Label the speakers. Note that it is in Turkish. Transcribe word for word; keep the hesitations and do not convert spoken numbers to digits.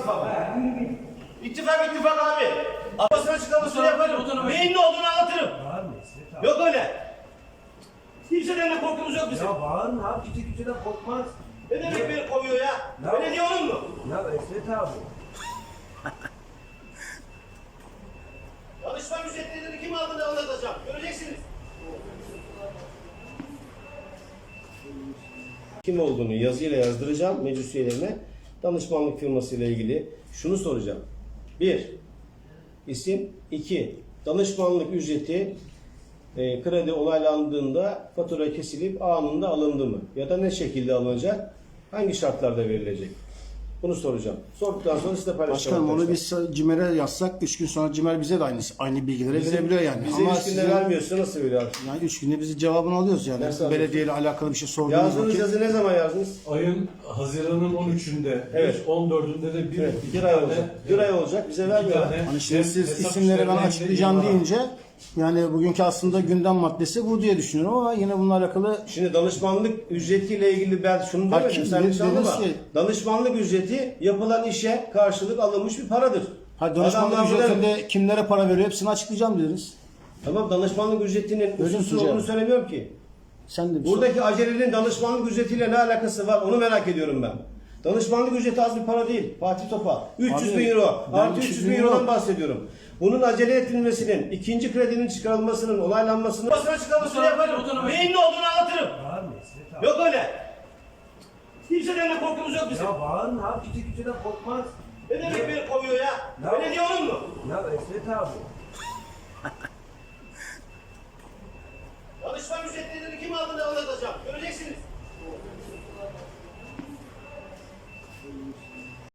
Speaker 1: ittifakı. İttifak ittifak abi. Basın açıklamasını yaparım. Neyin ne olduğunu anlatırım. Yok öyle. Kimseden de korkumuz yok bizim.
Speaker 2: Ya bağırma abi, kimse kimseden korkmaz.
Speaker 1: Ne demek beni kovuyor ya?
Speaker 2: Ya-
Speaker 1: Belediye onun mu?
Speaker 2: Ya Esret abi.
Speaker 1: Danışman ücretlerini kim aldığını anlatacağım. Göreceksiniz. Kim olduğunu yazıyla yazdıracağım meclis üyelerine. Danışmanlık firmasıyla ilgili şunu soracağım. Bir, isim. İki, danışmanlık ücreti e, kredi onaylandığında fatura kesilip anında alındı mı? Ya da ne şekilde alınacak? Hangi şartlarda verilecek? Bunu soracağım. Sorduktan sonra size paylaşacağım.
Speaker 3: Başkanım onu biz CİMER'e yazsak üç gün sonra CİMER bize de aynı, aynı bilgileri
Speaker 1: Bize-
Speaker 3: verebiliyor yani.
Speaker 1: Bize
Speaker 3: Ama
Speaker 1: üç günde
Speaker 3: sizin-
Speaker 1: vermiyorsa nasıl veriyor?
Speaker 3: Yani üç günde biz cevabını alıyoruz yani.
Speaker 1: Nasıl
Speaker 3: Belediyeyle alakalı bir şey sorduğumuz
Speaker 1: Yazdığınız
Speaker 3: vakit.
Speaker 1: yazı ne zaman yazdınız?
Speaker 4: Ayın Haziran'ın on üçünde,
Speaker 1: Evet.
Speaker 4: on dördünde de bir,
Speaker 1: Evet,
Speaker 4: iki
Speaker 1: bir ay
Speaker 4: tane-
Speaker 1: olacak. Bir ay olacak. Bize
Speaker 4: iki
Speaker 1: vermiyorlar.
Speaker 4: tane
Speaker 3: Hani şimdi siz
Speaker 4: hesap
Speaker 3: isimleri ben
Speaker 4: işlemlerinde
Speaker 3: açıklayacağım
Speaker 4: imza var.
Speaker 3: deyince yani bugünkü aslında gündem maddesi bu diye düşünüyorum ama yine bununla alakalı
Speaker 1: Şimdi danışmanlık ücretiyle ilgili ben şunu
Speaker 3: Hayır,
Speaker 1: demedim.
Speaker 3: kim-
Speaker 1: Sen
Speaker 3: dediniz
Speaker 1: yanlış anlama.
Speaker 3: ki-
Speaker 1: Danışmanlık ücreti yapılan işe karşılık alınmış bir paradır.
Speaker 3: ha, danışmanlık
Speaker 1: Adamlar burada-
Speaker 3: ücretinde kimlere para veriyor hepsini açıklayacağım dediniz.
Speaker 1: Tamam, danışmanlık ücretinin
Speaker 3: Öyle
Speaker 1: hususu
Speaker 3: mi
Speaker 1: olduğunu
Speaker 3: hocam?
Speaker 1: söylemiyorum ki.
Speaker 3: Sen de bir
Speaker 1: Buradaki acelenin danışmanlık ücretiyle ne alakası var onu merak ediyorum ben. Danışmanlık ücreti az bir para değil. Fatih Topa. üç yüz
Speaker 3: Abi,
Speaker 1: bin euro.
Speaker 3: ben
Speaker 1: Artı üç yüz bin
Speaker 3: euro-
Speaker 1: eurodan bahsediyorum. Bunun acele edilmesinin, ikinci kredinin çıkarılmasının, onaylanmasının basın açıklamasını yaparım. Neyin ne olduğunu anlatırım.
Speaker 2: Bağırma Esret abi.
Speaker 1: Yok öyle. Kimseden de korkumuz yok bizim.
Speaker 2: Ya bağırma abi, kimse kimseden korkmaz.
Speaker 1: Ne demek beni kovuyor ya?
Speaker 2: Ya-
Speaker 1: Belediye onun mu?
Speaker 2: Ya Esret abi.